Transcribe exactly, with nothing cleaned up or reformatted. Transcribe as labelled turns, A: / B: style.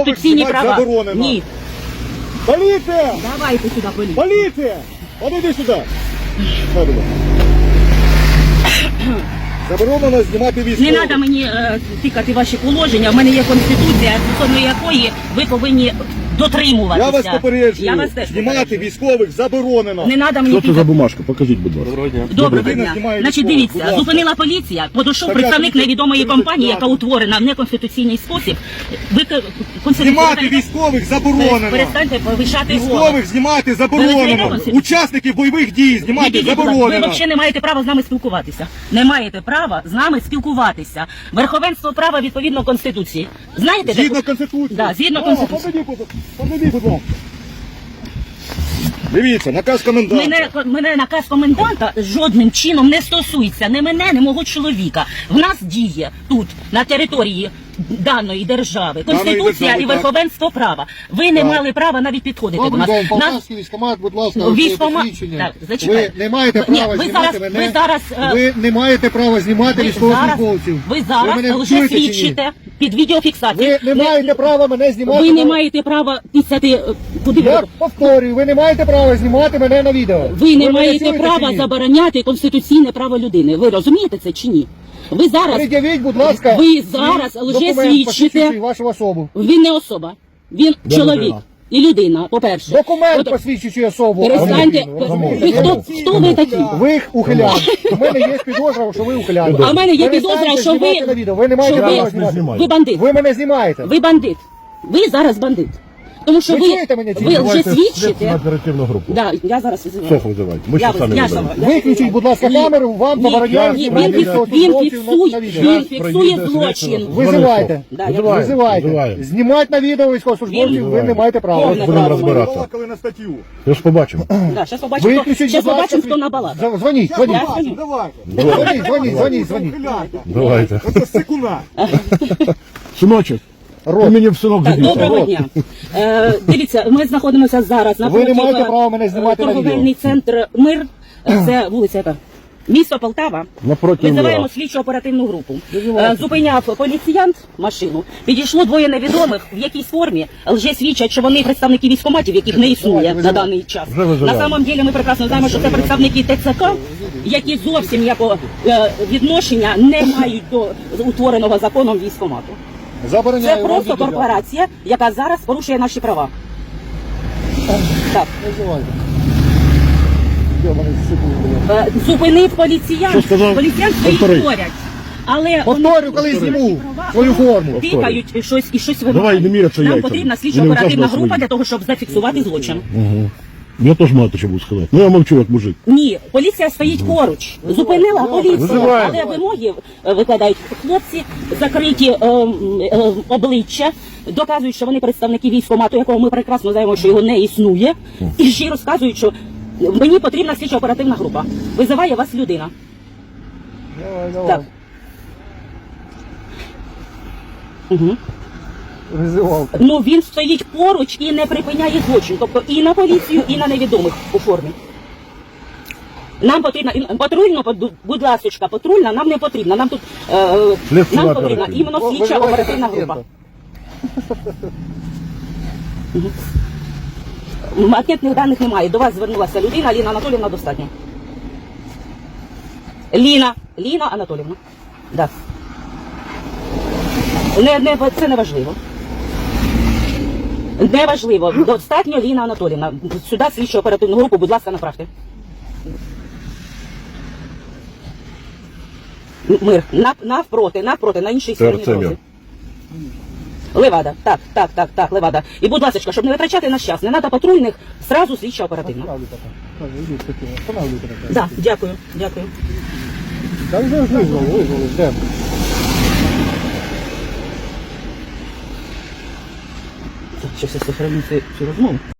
A: конституційні права.
B: Заборонено.
A: Ні.
B: Поліція!
A: Давайте сюди поліцію.
B: Поліція! Подойди сюди. Дай, будь ласка. Заборонено знімати
A: Не
B: військових.
A: треба мені е, тикати ваші положення. В мене є конституція, стосовно якої ви повинні дотримуватися.
B: Я вас попереджую,
A: Я вас теж
B: знімати
A: попереджую.
B: військових заборонено.
A: Не треба мені
C: Що це за
A: тикати.
C: бумажка? Покажіть, будь ласка.
B: Доброго дня.
A: Доброго
B: Людина
A: дня.
B: знімає
A: Значить,
B: військових, будь
A: дивіться,
B: ласка.
A: зупинила поліція, подійшов
B: Так,
A: представник
B: я-
A: невідомої
B: тридцять
A: компанії, яка
B: п'ятий.
A: утворена в неконституційний спосіб. Ви
B: Знімати військових заборонено.
A: Перестаньте повишати голос.
B: Військових знімати
A: Ви
B: заборонено.
A: розумієте?
B: Учасників бойових дій знімати
A: Відійдіть, будь ласка. Ви
B: заборонено.
A: взагалі не маєте права з нами спілкуватися. Не маєте права з нами спілкуватися. Верховенство права відповідно Конституції. Знаєте?
B: Згідно
A: таку-
B: Конституції.
A: Да, згідно
B: О,
A: Конституції.
B: Подойди, будь ласка. Подойди, будь ласка. Дивіться, наказ коменданта.
A: Мене, мене наказ коменданта жодним чином не стосується ні мене, ні мого чоловіка. В нас діє тут, на території даної держави, Конституція
B: держави,
A: і
B: так.
A: верховенство права. Ви не
B: Так.
A: мали права навіть підходити до
D: Добрий
A: нас.
D: день,
A: Нас-
D: Полтавський військкомат, будь ласка,
A: Військкомат-
D: посвідчення.
A: Так, зачекайте.
D: Ви не маєте
A: Ви- ні,
D: права
A: ви
D: знімати
A: зараз-
D: мене.
A: ви зараз, е,
D: Ви не маєте права знімати
A: Ви зараз,
D: військовослужбовців.
A: ви зараз
D: мене
A: вже
D: чуєте чи ні?
A: свідчите під відеофіксацією.
D: Ви не маєте права мене знімати.
A: Ви не
D: на-
A: маєте права писати, е, куди ви.
D: Я повторюю, ви не маєте права знімати мене на відео.
A: Ви не
D: мене
A: маєте
D: чуєте чи
A: права
D: ні?
A: забороняти конституційне право людини. Ви розумієте це чи ні? Ви зараз,
D: Пред'явіть, будь ласка,
A: ви зараз
D: свій
A: лже
D: документ,
A: свідчите.
D: посвідчуючий вашу особу.
A: Він не особа, він
C: Де
A: чоловік
C: людина?
A: і людина, по-перше.
D: Документ
A: От-
D: посвідчуючий особу.
A: Перестаньте,
D: а не людину,
A: ви
D: розумієте?
A: хто, хто ви такі?
D: Ви ухилян. У мене є підозра, що ви ухилян.
A: А в мене є
D: Перестаньте
A: підозра, що
D: знімати
A: ви,
D: на відео. Ви не маєте
A: що
D: права
A: ви,
D: знімати.
C: знімаю.
A: ви бандит.
D: Ви мене знімаєте.
A: Ви бандит. Ви зараз бандит. Тому що
D: Ви
A: ви,
D: чуєте мене чи ні?
A: ви вже
C: Давайте
A: свідчите.
C: слідчу оперативну групу.
A: Да, я зараз визиваю.
C: Шеф визивайте. Ми
A: Я
C: ще самі
A: я
C: не
A: сама-
C: даємо.
A: я
D: Виключіть, будь ласка,
A: Ні,
D: камеру, вам
A: ні,
D: забороняють
A: ні,
D: знімати
A: він, фікс- він
D: військовослужбовців на відео.
A: фіксує, він фіксує злочин.
D: Визивайте.
A: Да, я
C: Визиваємо.
D: Визивайте.
C: Визиваємо.
D: Знімати на відео військовослужбовців ви не маєте права.
A: Повне
C: Будемо
A: право.
C: розбиратися.
B: Балакали на статтю.
C: Я ж побачимо.
A: Да, зараз побачимо, хто,
D: Виключіть,
A: щас
D: будь ласка,
A: побачимо, хто набалакав.
D: З- Дзвоніть,
B: Я
D: дзвоніть.
B: побачу, давайте.
D: Дзвоніть, дзвоніть, дзвоніть, дзвоніть.
B: Ухиляйте.
C: Давайте.
B: Оце секуна.
C: Синочок, ти
D: Рот.
C: мені в синок
A: Так,
C: зіб'єш.
A: доброго дня. Е, дивіться, ми знаходимося зараз на
D: Ви не маєте права мене знімати на
A: торговельний центр Мир. Це вулиця яка? Місто Полтава.
C: Напроти
A: Визиваємо
C: Мира.
A: слідчу оперативну групу. Е, Зупиняв поліціянт машину. Підійшло двоє невідомих в якійсь формі. Лже свідчать, що вони представники військкоматів, яких не існує на даний час.
C: Вже визиваємо.
A: На самом деле ми прекрасно знаємо, що це представники ТЦК, які зовсім ніякого е, відношення не мають до утвореного законом військкомату.
D: Забороняю
A: Це
D: вам
A: просто
D: відео.
A: корпорація, яка зараз порушує наші права. Так.
D: Визивайте. Де мене секунду?
A: Е, Зупинив поліціян.
C: Що сказав?
A: Поліціян стоїть
C: Повтори.
A: поряд. Але
D: Повторю, коли зніму свою форму.
A: тикають щось і щось
C: Давай,
A: вимагають.
C: не міряться
A: Нам
C: яйцями.
A: потрібна слідчо
C: Вони у
A: оперативна
C: кожного
A: група
C: свої.
A: для того, щоб зафіксувати злочин.
C: Я теж маю що буду сказати. Ну я мовчу, як мужик.
A: Ні, поліція стоїть поруч. Зупинила поліція,
C: Визиваємо.
A: але вимоги е, викладають хлопці, закриті е, м, е, обличчя, доказують, що вони представники військкомату, якого ми прекрасно знаємо, що його не існує, і ще й розказують, що мені потрібна слідчо оперативна група. Визиває вас людина.
D: Давай, давай.
A: Так. Угу.
D: Визивав.
A: Ну він стоїть поруч і не припиняє злочин, тобто і на поліцію, і на невідомих у формі. Нам потрібна і- патрульно, будь- будь ласочка, патрульна нам не потрібна. Нам тут е,
C: Слідчо
A: нам потрібна
C: оперативна.
A: іменно
D: О,
A: слідча
D: визивайте
A: оперативна
D: пацієнта.
A: група. Анкетних даних немає. До вас звернулася людина, Ліна Анатоліївна, достатньо. Ліна, Ліна Анатоліївна. Да. Не, не, це не важливо. Неважливо. Достатньо Ліна Анатоліївна. Сюди слідчу оперативну групу, будь ласка, направте. Мир. Нав, навпроти, навпроти, на іншій стороні
C: Це
A: дороги.
C: Мир.
A: Левада. Так, так, так, так, Левада. І, будь ласка, щоб не витрачати наш час, не треба патрульних, сразу слідча оперативна. Так, да, дякую, дякую.
D: Та вже визвали, визвали, ждемо.
A: Щас я сохраню цю цю розмову.